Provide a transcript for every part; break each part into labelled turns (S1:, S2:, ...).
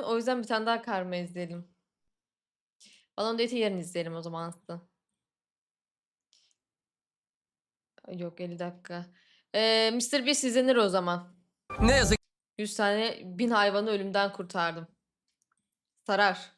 S1: O yüzden bir tane daha karma izleyelim. Balon Date'i yarın izleyelim o zaman Aslı. Yok 50 dakika. Mr. Beast izlenir o zaman.
S2: Ne yazık
S1: 100 tane 1000 hayvanı ölümden kurtardım. Sarar.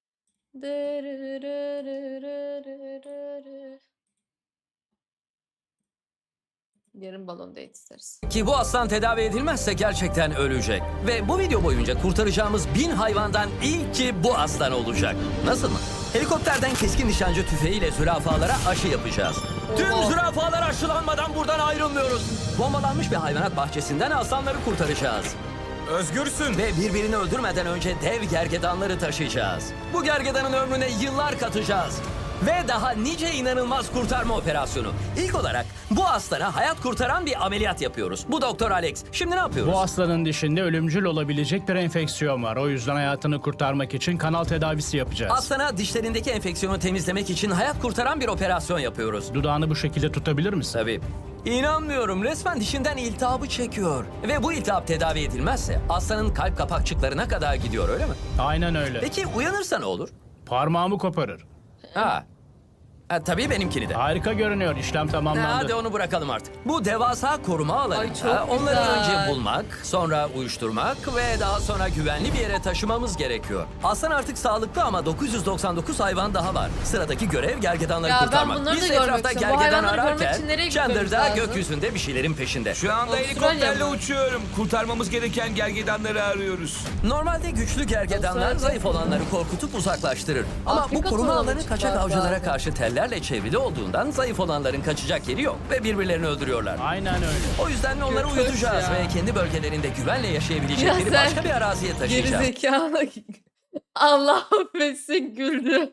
S1: Yarın Balon Date isteriz.
S2: ki bu aslan tedavi edilmezse gerçekten ölecek. Ve bu video boyunca kurtaracağımız 1000 hayvandan ilki bu aslan olacak. Nasıl mı? Helikopterden keskin nişancı tüfeğiyle zürafalara aşı yapacağız. Tüm
S1: Oha.
S2: zürafalar aşılanmadan buradan ayrılmıyoruz. Bombalanmış bir hayvanat bahçesinden aslanları kurtaracağız.
S3: Özgürsün.
S2: Ve birbirini öldürmeden önce dev gergedanları taşıyacağız. Bu gergedanın ömrüne yıllar katacağız. Ve daha nice inanılmaz kurtarma operasyonu. İlk olarak bu aslana hayat kurtaran bir ameliyat yapıyoruz. Bu Doktor Alex. Şimdi ne yapıyoruz?
S4: Bu aslanın dişinde ölümcül olabilecek bir enfeksiyon var. O yüzden hayatını kurtarmak için kanal tedavisi yapacağız.
S2: Aslana dişlerindeki enfeksiyonu temizlemek için hayat kurtaran bir operasyon yapıyoruz.
S4: Dudağını bu şekilde tutabilir misin?
S2: Tabii. İnanmıyorum. Resmen dişinden iltihabı çekiyor. Ve bu iltihap tedavi edilmezse aslanın kalp kapakçıklarına kadar gidiyor, öyle mi?
S4: Aynen öyle.
S2: Peki uyanırsa ne olur?
S4: Parmağımı koparır.
S2: Ha. Tabii benimkini de.
S4: Harika görünüyor. İşlem tamamlandı.
S2: Hadi onu bırakalım artık. Bu devasa koruma
S1: Ay,
S2: alanında
S1: çok
S2: onları
S1: güzel.
S2: önce bulmak, sonra uyuşturmak ve daha sonra güvenli bir yere taşımamız gerekiyor. Aslan artık sağlıklı ama 999 hayvan daha var. Sıradaki görev gergedanları
S1: Ya ben
S2: kurtarmak.
S1: bunları da
S2: Biz
S1: görmek
S2: etrafta
S1: istiyorum. Bu
S2: gergedan
S1: hayvanları görmek
S2: ararken
S1: için nereye gitmemiz
S2: Chandler da
S1: lazım?
S2: gökyüzünde bir şeylerin peşinde.
S3: Şu anda
S1: Avustralya
S3: helikopterle
S1: mı?
S3: uçuyorum. Kurtarmamız gereken gergedanları arıyoruz.
S2: Normalde güçlü gergedanlar
S1: Avustralya.
S2: zayıf olanları korkutup uzaklaştırır. Ama
S1: Afrika
S2: bu koruma
S1: turuna
S2: alanı
S1: mı
S2: kaçak
S1: çıkmak
S2: avcılara
S1: lazım?
S2: karşı tellerle çevrili olduğundan zayıf olanların kaçacak yeri yok ve birbirlerini öldürüyorlar.
S4: Aynen öyle.
S2: O yüzden onları
S1: Kötü
S2: uyutacağız
S1: ya.
S2: ve kendi bölgelerinde güvenle
S1: Ya
S2: yaşayabilecekleri
S1: sen
S2: başka bir araziye taşıyacağız.
S1: Gerizekalı. Allah affetsin güldü.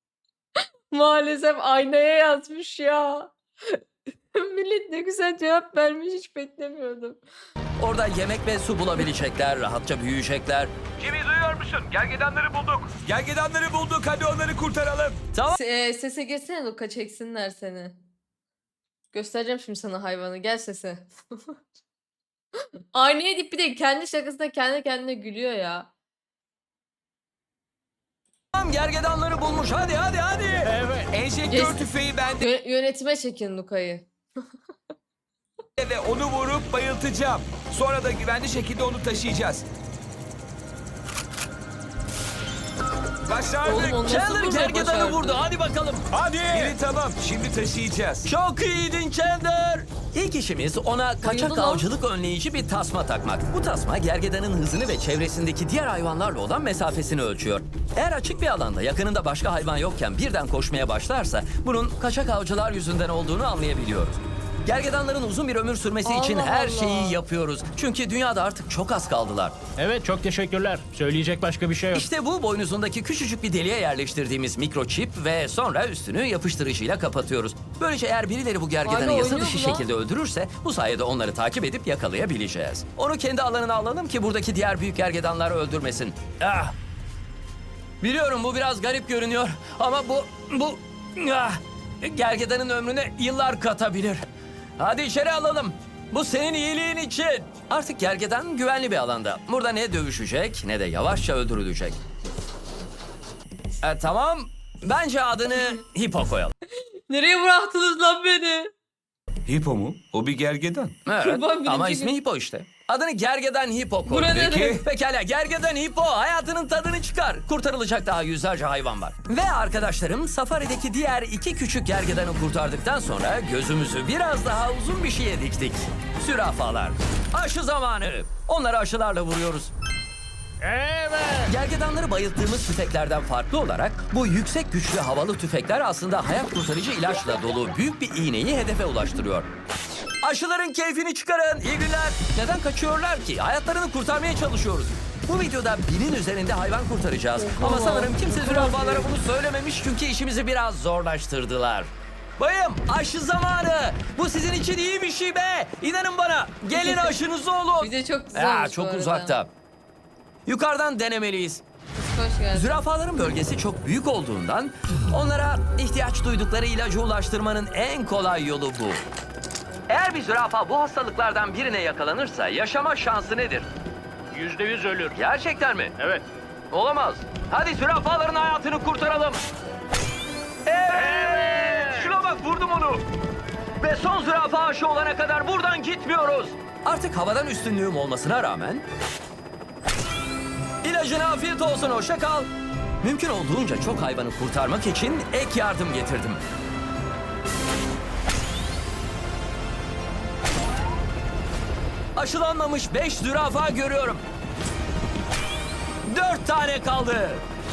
S1: Maalesef aynaya yazmış ya. Millet ne güzel cevap vermiş, hiç beklemiyordum.
S2: Orada yemek ve su bulabilecekler, rahatça büyüyecekler.
S3: Jimmy duyuyor musun? Gergedanları bulduk. Gergedanları bulduk. Hadi onları kurtaralım.
S2: Tamam.
S1: Sese geçsene Luka, çeksinler seni. Göstereceğim şimdi sana hayvanı, gel sese. Aynaya deyip bir de kendi şakasında kendi kendine gülüyor ya.
S2: Tamam, gergedanları bulmuş. Hadi hadi hadi.
S4: Evet.
S3: Enjektör
S1: Yes.
S3: tüfeği bende
S1: Yönetime çekin Luka'yı.
S3: ve onu vurup bayıltacağım. Sonra da güvenli şekilde onu taşıyacağız. Başardık.
S1: Oğlum, onu nasıl
S2: Chandler
S1: vurmayı
S2: gergedanı
S1: başardın?
S2: vurdu. Hadi bakalım.
S3: Hadi. Biri tamam. Şimdi taşıyacağız.
S2: Çok iyiydin Chandler. İlk işimiz ona kaçak
S1: lan.
S2: avcılık önleyici bir tasma takmak. Bu tasma gergedanın hızını ve çevresindeki diğer hayvanlarla olan mesafesini ölçüyor. Eğer açık bir alanda yakınında başka hayvan yokken birden koşmaya başlarsa bunun kaçak avcılar yüzünden olduğunu anlayabiliyoruz. Gergedanların uzun bir ömür sürmesi için
S1: Allah
S2: her
S1: Allah.
S2: şeyi yapıyoruz. Çünkü dünyada artık çok az kaldılar.
S4: Evet, çok teşekkürler. Söyleyecek başka bir şey yok.
S2: İşte bu boynuzundaki küçücük bir deliğe yerleştirdiğimiz mikroçip ve sonra üstünü yapıştırıcıyla kapatıyoruz. Böylece eğer birileri bu gergedanı
S1: Hala
S2: yasa
S1: oynuyor
S2: dışı
S1: bu lan.
S2: şekilde öldürürse bu sayede onları takip edip yakalayabileceğiz. Onu kendi alanına alalım ki buradaki diğer büyük gergedanları öldürmesin. Ah! Biliyorum bu biraz garip görünüyor ama bu gergedanın ömrüne yıllar katabilir. Hadi içeri alalım. Bu senin iyiliğin için. Artık gergedan güvenli bir alanda. Burada ne dövüşecek ne de yavaşça öldürülecek. Tamam. Bence adını Hippo koyalım.
S1: Nereye bıraktınız lan beni?
S3: Hippo mu? O bir gergedan.
S2: Evet,
S1: Kurban birinci
S2: ama
S1: gün.
S2: ismi Hippo işte. Adını Gergedan Hippo koy.
S1: Bura ne
S3: Peki.
S1: demek?
S2: Pekala, Gergedan Hippo hayatının tadını çıkar. Kurtarılacak daha yüzlerce hayvan var. Ve arkadaşlarım safarideki diğer iki küçük gergedanı kurtardıktan sonra gözümüzü biraz daha uzun bir şeye diktik. Zürafalar. Aşı zamanı. Onları aşılarla vuruyoruz.
S4: Evet.
S2: Gergedanları bayılttığımız tüfeklerden farklı olarak bu yüksek güçlü havalı tüfekler aslında hayat kurtarıcı ilaçla dolu büyük bir iğneyi hedefe ulaştırıyor. Aşıların keyfini çıkarın. İyi günler. Neden kaçıyorlar ki? Hayatlarını kurtarmaya çalışıyoruz. Bu videoda 1000'in üzerinde hayvan kurtaracağız. Ama sanırım kimse zürafalara bunu söylememiş çünkü işimizi biraz zorlaştırdılar. Bayım, aşı zamanı. Bu sizin için iyi bir şey be. İnanın bana. Gelin aşınızı olun.
S1: Video çok güzel
S2: Ya,
S1: olmuş bu
S2: çok
S1: arada.
S2: uzakta. Yukarıdan denemeliyiz.
S1: Hoş geldin.
S2: Zürafaların bölgesi çok büyük olduğundan onlara ihtiyaç duydukları ilacı ulaştırmanın en kolay yolu bu. Eğer bir zürafa bu hastalıklardan birine yakalanırsa yaşama şansı nedir?
S4: %100 ölür.
S2: Gerçekten mi?
S4: Evet.
S2: Olamaz. Hadi zürafaların hayatını kurtaralım. Evet. Şuna bak, vurdum onu. Ve son zürafa aşı olana kadar buradan gitmiyoruz. Artık havadan üstünlüğüm olmasına rağmen... İlacına afiyet olsun, hoşça kal. Mümkün olduğunca çok hayvanı kurtarmak için ek yardım getirdim. Aşılanmamış 5 zürafa görüyorum. 4 tane kaldı.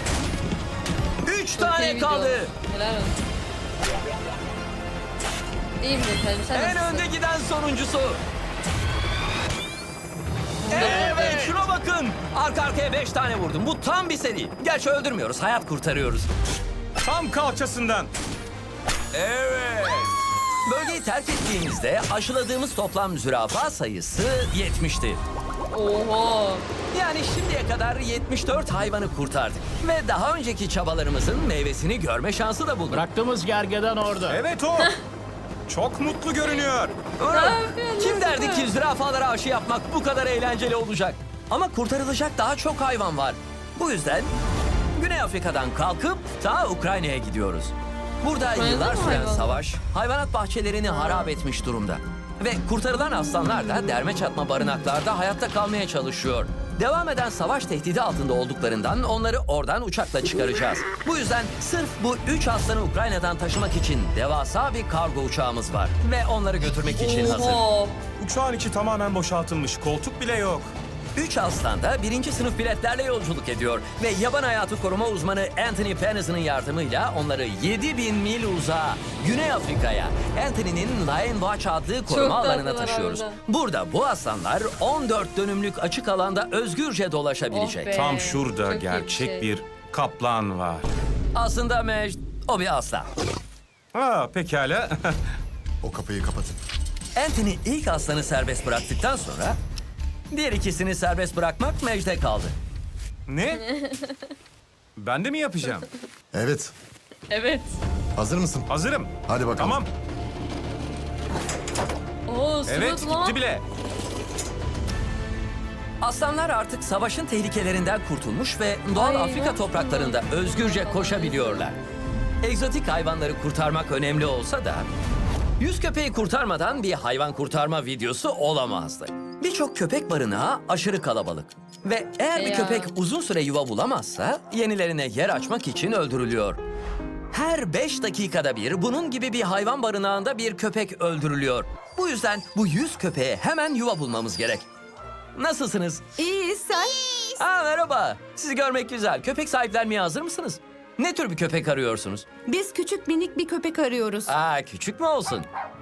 S2: 3
S1: Çok iyi
S2: tane
S1: video.
S2: kaldı.
S1: Helal olsun. İyiyim efendim. Sen
S2: En
S1: nasılsın?
S2: önde giden sonuncusu.
S1: Bunu da
S2: Evet,
S1: buradayım.
S2: şuna bakın. Arka arkaya 5 tane vurdum. Bu tam bir seri. Gerçi öldürmüyoruz, hayat kurtarıyoruz.
S3: Tam kalçasından.
S2: Evet. Bölgeyi terk ettiğimizde aşıladığımız toplam zürafa sayısı 70'ti.
S1: Oha.
S2: Yani şimdiye kadar 74 hayvanı kurtardık. Ve daha önceki çabalarımızın meyvesini görme şansı da bulduk.
S4: Bıraktığımız gergedan orada.
S3: Evet o. Çok mutlu görünüyor.
S2: Kim derdi ki zürafalara aşı yapmak bu kadar eğlenceli olacak? Ama kurtarılacak daha çok hayvan var. Bu yüzden Güney Afrika'dan kalkıp ta Ukrayna'ya gidiyoruz. Burada
S1: Ukrayna'da
S2: yıllar
S1: mı
S2: süren
S1: hayvan?
S2: savaş hayvanat bahçelerini harap etmiş durumda. Ve kurtarılan aslanlar da derme çatma barınaklarda hayatta kalmaya çalışıyor. Devam eden savaş tehdidi altında olduklarından onları oradan uçakla çıkaracağız. Bu yüzden sırf bu 3 aslanı Ukrayna'dan taşımak için devasa bir kargo uçağımız var. Ve onları götürmek için hazır.
S1: Oha.
S3: Uçağın içi tamamen boşaltılmış. Koltuk bile yok.
S2: 3 aslan da 1. sınıf biletlerle yolculuk ediyor. Ve yaban hayatı koruma uzmanı Anthony Pennison'ın yardımıyla onları 7000 mil uzağa Güney Afrika'ya Anthony'nin Lion Watch adlı koruma
S1: Çok
S2: alanına
S1: tatlılar
S2: taşıyoruz.
S1: harbiden.
S2: Burada bu aslanlar 14 dönümlük açık alanda özgürce dolaşabilecek.
S1: Oh be.
S3: Tam şurada
S1: Çok iyi bir
S3: gerçek
S1: şey.
S3: bir kaplan var.
S2: Aslında Mecd, o bir aslan.
S3: Ha pekala.
S5: O kapıyı kapatın.
S2: Anthony ilk aslanı serbest bıraktıktan sonra diğer ikisini serbest bırakmak Mecd'e kaldı.
S3: Ne? Ben de mi yapacağım?
S5: Evet.
S1: Evet.
S5: Hazır mısın?
S3: Hazırım.
S5: Hadi bakalım.
S3: Tamam.
S1: Oo,
S3: Evet
S1: smooth lan.
S3: gitti bile.
S2: Aslanlar artık savaşın tehlikelerinden kurtulmuş ve doğal
S1: Ay,
S2: Afrika
S1: nasıl?
S2: topraklarında özgürce koşabiliyorlar. Egzotik hayvanları kurtarmak önemli olsa da 100 köpeği kurtarmadan bir hayvan kurtarma videosu olamazdı. Birçok köpek barınağı aşırı kalabalık. Ve eğer bir
S1: Ya.
S2: köpek uzun süre yuva bulamazsa yenilerine yer açmak için öldürülüyor. Her 5 dakikada bir bunun gibi bir hayvan barınağında bir köpek öldürülüyor. Bu yüzden bu 100 köpeğe hemen yuva bulmamız gerek. Nasılsınız?
S6: İyi sen?
S2: Aa, merhaba. Sizi görmek güzel. Köpek sahiplenmeye hazır mısınız? Ne tür bir köpek arıyorsunuz?
S6: Biz küçük minik bir köpek arıyoruz.
S2: Aa, küçük mü olsun?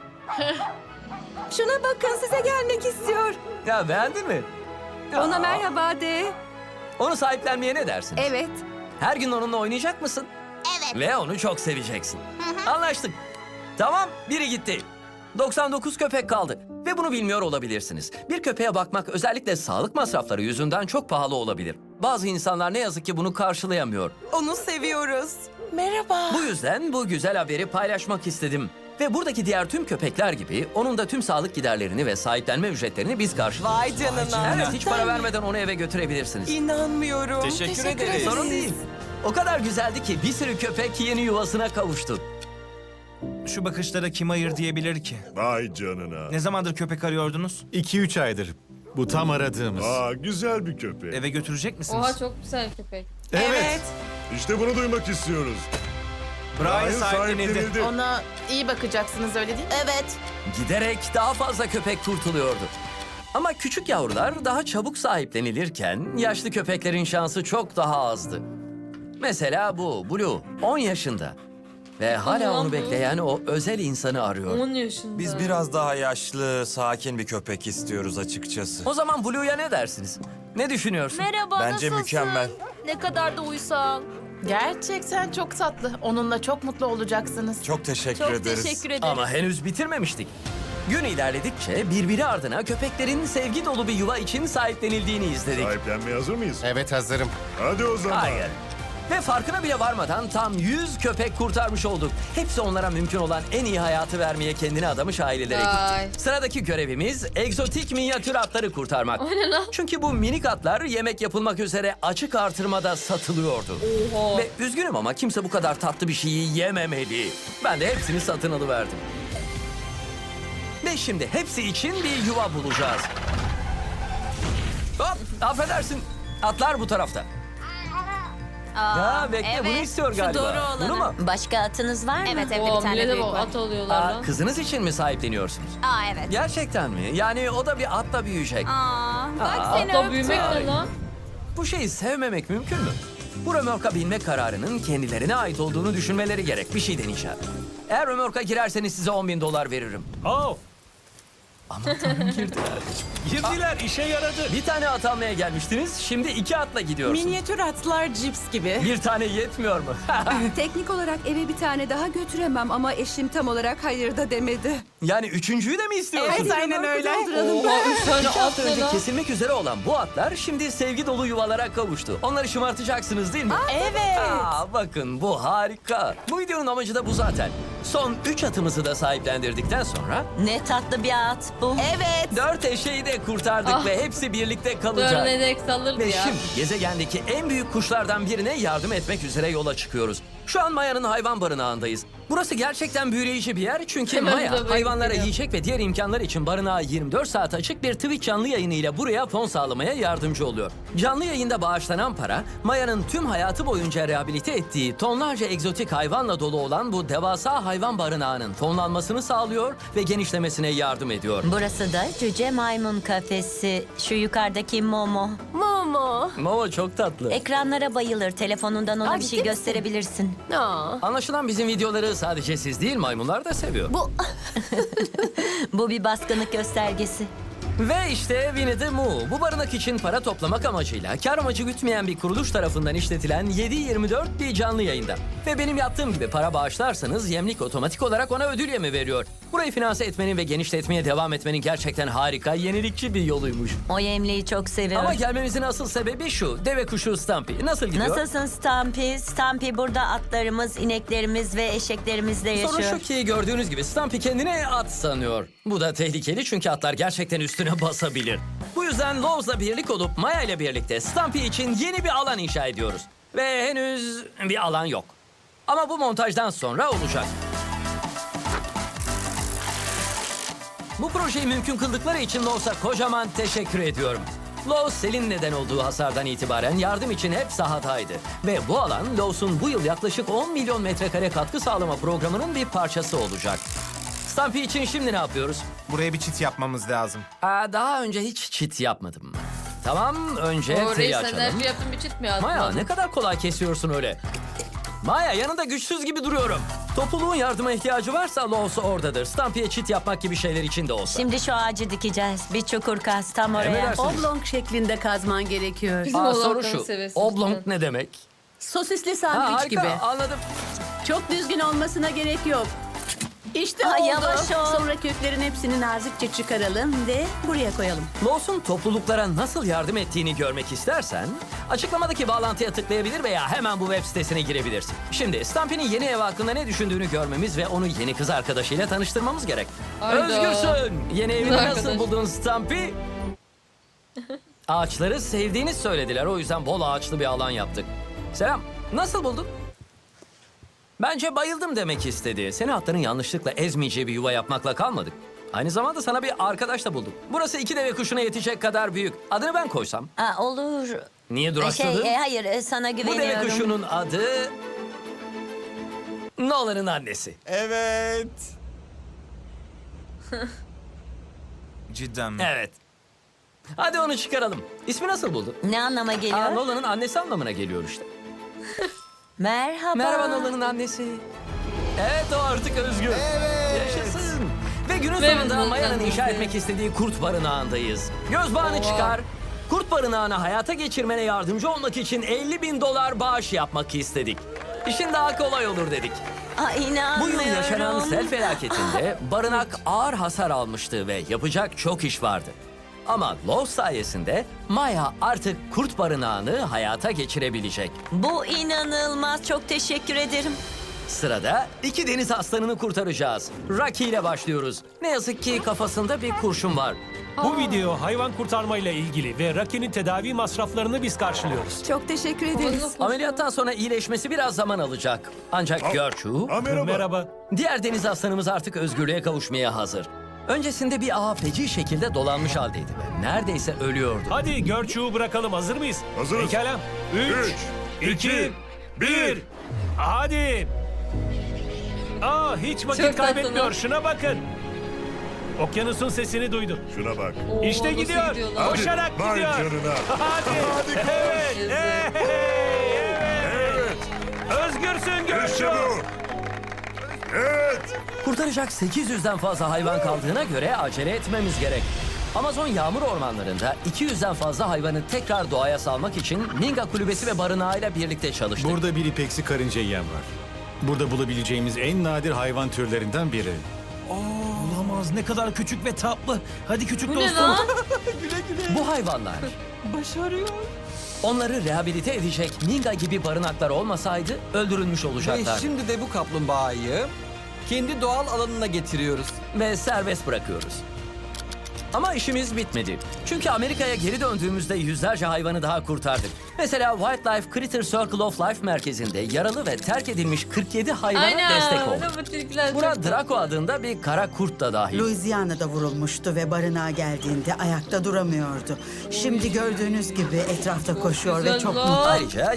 S6: Şuna bakın size gelmek istiyor.
S2: Ya beğendin mi?
S6: Ona
S2: Aa,
S6: merhaba de.
S2: Onu sahiplenmeye ne dersin?
S6: Evet.
S2: Her gün onunla oynayacak mısın? Evet. Ve onu çok seveceksin. Anlaştık. Tamam, biri gitti. 99 köpek kaldı. Ve bunu bilmiyor olabilirsiniz. Bir köpeğe bakmak özellikle sağlık masrafları yüzünden çok pahalı olabilir. Bazı insanlar ne yazık ki bunu karşılayamıyor.
S6: Onu seviyoruz. Merhaba.
S2: Bu yüzden bu güzel haberi paylaşmak istedim. Ve buradaki diğer tüm köpekler gibi onun da tüm sağlık giderlerini ve sahiplenme ücretlerini biz karşılıyoruz.
S6: Vay canına.
S2: Evet, hiç para vermeden onu eve götürebilirsiniz.
S6: İnanmıyorum.
S3: Teşekkür ederiz.
S2: Sorun değil. O kadar güzeldi ki bir sürü köpek yeni yuvasına kavuştu.
S7: Şu bakışlara kim hayır diyebilir ki?
S8: Vay canına.
S7: Ne zamandır köpek arıyordunuz?
S8: 2-3 aydır. Bu tam aradığımız. Aa, güzel bir köpek.
S7: Eve götürecek misiniz?
S1: Oha çok güzel köpek.
S8: Evet. İşte bunu duymak istiyoruz.
S7: Brian sahiplenildi.
S9: Ona iyi bakacaksınız öyle değil mi? Evet.
S2: Giderek daha fazla köpek kurtuluyordu. Ama küçük yavrular daha çabuk sahiplenilirken yaşlı köpeklerin şansı çok daha azdı. Mesela bu Blue 10 yaşında. Ve hala
S1: Aman
S2: onu
S1: bu.
S2: bekleyen o özel insanı arıyor.
S1: 10 yaşında.
S10: Biz biraz daha yaşlı, sakin bir köpek istiyoruz açıkçası.
S2: O zaman Blue'ya ne dersiniz? Ne düşünüyorsun?
S11: Merhaba,
S10: Bence
S11: nasılsın?
S10: mükemmel.
S11: Ne kadar da uysal.
S9: Gerçekten çok tatlı. Onunla çok mutlu olacaksınız.
S10: Çok teşekkür
S11: Çok
S10: ederiz.
S11: teşekkür ederim.
S2: Ama henüz bitirmemiştik. Gün ilerledikçe birbiri ardına köpeklerin sevgi dolu bir yuva için sahiplenildiğini izledik.
S8: Sahiplenmeye hazır mıyız?
S5: Evet hazırım.
S8: Hadi o zaman.
S2: Hayır. Ve farkına bile varmadan tam 100 köpek kurtarmış olduk. Hepsi onlara mümkün olan en iyi hayatı vermeye kendini adamış ailelere
S1: Vay.
S2: gitti. Sıradaki görevimiz egzotik minyatür atları kurtarmak.
S1: O ne lan?
S2: Çünkü bu minik atlar yemek yapılmak üzere açık artırmada satılıyordu.
S1: Oha.
S2: Ve üzgünüm ama kimse bu kadar tatlı bir şeyi yememeli. Ben de hepsini satın alıverdim. Ve şimdi hepsi için bir yuva bulacağız. Hop, affedersin. Atlar bu tarafta. Ya bekle, bunu istiyor galiba. Bunu mu?
S11: Başka atınız var mı? Evet
S1: Oo, millete bak, at alıyorlar lan.
S2: Kızınız için mi sahipleniyorsunuz?
S11: evet.
S2: Gerçekten mi? Yani o da bir atla büyüyecek.
S1: Atla büyümek ne lan?
S2: Bu şeyi sevmemek mümkün mü? Bu römorka binme kararının kendilerine ait olduğunu düşünmeleri gerek. Bir şey deneyeceğim. Eğer römorka girerseniz size $10.000 veririm.
S7: Oh,
S2: Aman tanrım girdiler.
S7: girdiler, işe yaradı.
S2: Bir tane at almaya gelmiştiniz. Şimdi 2 atla gidiyorsunuz.
S6: Minyatür atlar cips gibi.
S2: Bir tane yetmiyor mu?
S6: Teknik olarak eve bir tane daha götüremem ama eşim tam olarak hayır da demedi.
S2: Yani üçüncüyü de mi istiyorsunuz?
S6: Evet, aynen öyle.
S1: Oha 3 tane
S2: 2
S1: at
S2: hafta
S1: ne
S2: önce
S1: lan?
S2: kesilmek üzere olan bu atlar şimdi sevgi dolu yuvalara kavuştu. Onları şımartacaksınız değil mi?
S6: Evet.
S2: Bakın bu harika. Bu videonun amacı da bu zaten. Son 3 atımızı da sahiplendirdikten sonra
S11: Ne tatlı bir at bu.
S6: Evet.
S2: 4 eşeği de kurtardık ve hepsi birlikte kalacak.
S1: Dörnedek salırdı
S2: Ve
S1: ya.
S2: şimdi gezegendeki en büyük kuşlardan birine yardım etmek üzere yola çıkıyoruz. Şu an Maya'nın hayvan barınağındayız. Burası gerçekten büyüleyici bir yer çünkü
S1: Hemen
S2: Maya
S1: buraya
S2: hayvanlara
S1: gidiyor.
S2: yiyecek ve diğer imkanlar için barınağı 24 saat açık bir Twitch canlı yayınıyla buraya fon sağlamaya yardımcı oluyor. Canlı yayında bağışlanan para Maya'nın tüm hayatı boyunca rehabilite ettiği tonlarca egzotik hayvanla dolu olan bu devasa hayvan barınağının fonlanmasını sağlıyor ve genişlemesine yardım ediyor.
S11: Burası da cüce maymun kafesi. Şu yukarıdaki Momo.
S2: Momo çok tatlı.
S11: Ekranlara bayılır. Telefonundan ona bir şey gösterebilirsin.
S2: Anlaşılan bizim videoları sadece siz değil maymunlar da seviyor.
S11: Bu bir baskınlık göstergesi.
S2: Ve işte Winnie the Moo. Bu barınak için para toplamak amacıyla kar amacı gütmeyen bir kuruluş tarafından işletilen 7/24 bir canlı yayında. Ve benim yaptığım gibi para bağışlarsanız yemlik otomatik olarak ona ödül yemi veriyor. Burayı finanse etmenin ve genişletmeye devam etmenin gerçekten harika, yenilikçi bir yoluymuş.
S11: O yemliği çok seviyorum.
S2: Ama gelmemizin asıl sebebi şu. Deve kuşu Stampy. Nasıl gidiyor?
S11: Nasılsın Stampy? Stampy burada atlarımız, ineklerimiz ve eşeklerimizle yaşıyor.
S2: Sorun şu ki gördüğünüz gibi Stampy kendini at sanıyor. Bu da tehlikeli çünkü atlar gerçekten üstüne basabilir. Bu yüzden Lowes'la birlik olup Maya ile birlikte Stampy için yeni bir alan inşa ediyoruz. Ve henüz bir alan yok. Ama bu montajdan sonra olacak. Bu projeyi mümkün kıldıkları için Lowes'a kocaman teşekkür ediyorum. Lowe's selin neden olduğu hasardan itibaren yardım için hep sahadaydı. Ve bu alan Lowe's'un bu yıl yaklaşık 10 milyon metrekare katkı sağlama programının bir parçası olacak. Stampy için şimdi ne yapıyoruz?
S7: Buraya bir çit yapmamız lazım.
S2: Daha önce hiç çit yapmadım. Tamam, önce
S1: O
S2: teli
S1: reis
S2: açalım.
S1: enerji yaptın bir çit mi yaptın?
S2: Maya ne kadar kolay kesiyorsun öyle. Maya yanında güçsüz gibi duruyorum. Topluluğun yardıma ihtiyacı varsa Lowe's oradadır. Stampy'ye çit yapmak gibi şeyler için de olsa.
S11: Şimdi şu ağacı dikeceğiz. Bir çukur kaz tam oraya.
S2: Emredersiniz.
S6: Oblong şeklinde kazman gerekiyor.
S1: Bizim
S2: Soru
S1: oğlanların
S2: şu.
S1: seviyesi
S2: Oblong
S1: cidden.
S2: ne demek?
S6: Sosisli
S2: Harika, anladım.
S6: Çok düzgün olmasına gerek yok. İşte
S11: Ay,
S6: oldu.
S11: yavaş ol.
S6: Sonra köklerin hepsini nazikçe çıkaralım ve buraya koyalım.
S2: Lowe's'un topluluklara nasıl yardım ettiğini görmek istersen açıklamadaki bağlantıya tıklayabilir veya hemen bu web sitesine girebilirsin. Şimdi Stampy'nin yeni ev hakkında ne düşündüğünü görmemiz ve onu yeni kız arkadaşıyla tanıştırmamız gerek.
S1: Hayda.
S2: Özgürsün. Yeni evini
S1: Kız
S2: nasıl
S1: arkadaş.
S2: buldun Stampy? Ağaçları sevdiğini söylediler. O yüzden bol ağaçlı bir alan yaptık. Selam. Nasıl buldun? Bence bayıldım demek istedi. Seni atların yanlışlıkla ezmeyeceği bir yuva yapmakla kalmadık. Aynı zamanda sana bir arkadaş da buldum. Burası 2 deve kuşuna yetecek kadar büyük. Adını ben koysam.
S11: Olur.
S2: Niye duraksadın?
S11: Hayır sana
S2: Bu deve
S11: güveniyorum.
S2: kuşunun adı... Nolan'ın annesi.
S8: Evet.
S7: Cidden mi?
S2: Evet. Hadi onu çıkaralım. İsmi nasıl buldun?
S11: Ne anlama geliyor?
S2: Nolan'ın annesi anlamına geliyor işte.
S11: Merhaba.
S2: Merhaba Nolan'ın annesi. Evet o artık özgür. Yaşasın. Ve günün
S1: Ve
S2: sonunda
S1: Nolan'ın
S2: Maya'nın inşa
S1: annesi.
S2: etmek istediği kurt barınağındayız. Göz bağını
S1: Oha.
S2: çıkar. Kurt barınağını hayata geçirmene yardımcı olmak için $50.000 bağış yapmak istedik. İşin daha kolay olur dedik. Bu
S11: İnanmıyorum.
S2: yıl yaşanan sel felaketinde barınak ağır hasar almıştı ve yapacak çok iş vardı. Ama Love sayesinde Maya artık kurt barınağını hayata geçirebilecek.
S11: Bu inanılmaz. Çok teşekkür ederim.
S2: Sırada 2 deniz aslanını kurtaracağız. Rocky ile başlıyoruz. Ne yazık ki kafasında bir kurşun var.
S12: Bu video hayvan kurtarmayla ilgili ve Rocky'nin tedavi masraflarını biz karşılıyoruz.
S6: Çok teşekkür ederiz.
S2: Ameliyattan sonra iyileşmesi biraz zaman alacak. Ancak Gertrude,
S12: Merhaba.
S2: diğer deniz aslanımız artık özgürlüğe kavuşmaya hazır. Öncesinde bir ağa feci şekilde dolanmış haldeydi ve neredeyse ölüyordu.
S12: Hadi Görçuğu bırakalım. Hazır mıyız?
S8: Hazırız.
S12: Pekala. 3, 2, 1. Hadi. Hiç vakit
S1: Çok
S12: kaybetmiyor.
S1: tatlı.
S12: Şuna bakın. Okyanusun sesini duydum.
S8: Şuna bak.
S1: Oo,
S12: İşte
S1: nasıl
S12: gidiyor.
S1: gidiyor lan?
S12: Koşarak
S8: Vay
S12: gidiyor.
S8: canına.
S12: Hadi.
S8: Hadi koş.
S12: Evet.
S1: Yazık.
S12: Evet. Özgürsün Görçuğu.
S8: İşte bu. Evet.
S2: Kurtaracak 800'den fazla hayvan kaldığına göre acele etmemiz gerek. Amazon yağmur ormanlarında 200'den fazla hayvanı tekrar doğaya salmak için Minga Kulübesi ve barınağıyla birlikte çalıştık.
S8: Burada bir ipeksi karınca yiyen var. Burada bulabileceğimiz en nadir hayvan türlerinden biri.
S7: Olamaz, ne kadar küçük ve tatlı. Hadi küçük
S1: Bu ne
S7: dostum.
S1: lan?
S2: Bu hayvanlar
S9: Başarıyor.
S2: onları rehabilite edecek Minga gibi barınaklar olmasaydı öldürülmüş olacaklar.
S3: şimdi de bu kaplumbağayı kendi doğal alanına getiriyoruz.
S2: Ve serbest bırakıyoruz. Ama işimiz bitmedi. Çünkü Amerika'ya geri döndüğümüzde yüzlerce hayvanı daha kurtardık. Mesela Wildlife Critter Circle of Life merkezinde yaralı ve terk edilmiş 47 hayvana destek
S1: Aynen.
S2: olduk.
S1: Bu tilkiler
S2: Buna
S1: çok
S2: Draco adında bir kara kurt da dahil.
S9: Louisiana'da vurulmuştu ve barınağa geldiğinde ayakta duramıyordu. Şimdi gördüğünüz gibi etrafta koşuyor ve
S1: Güzel
S9: çok
S1: lan.
S9: mutlu.
S2: Ayrıca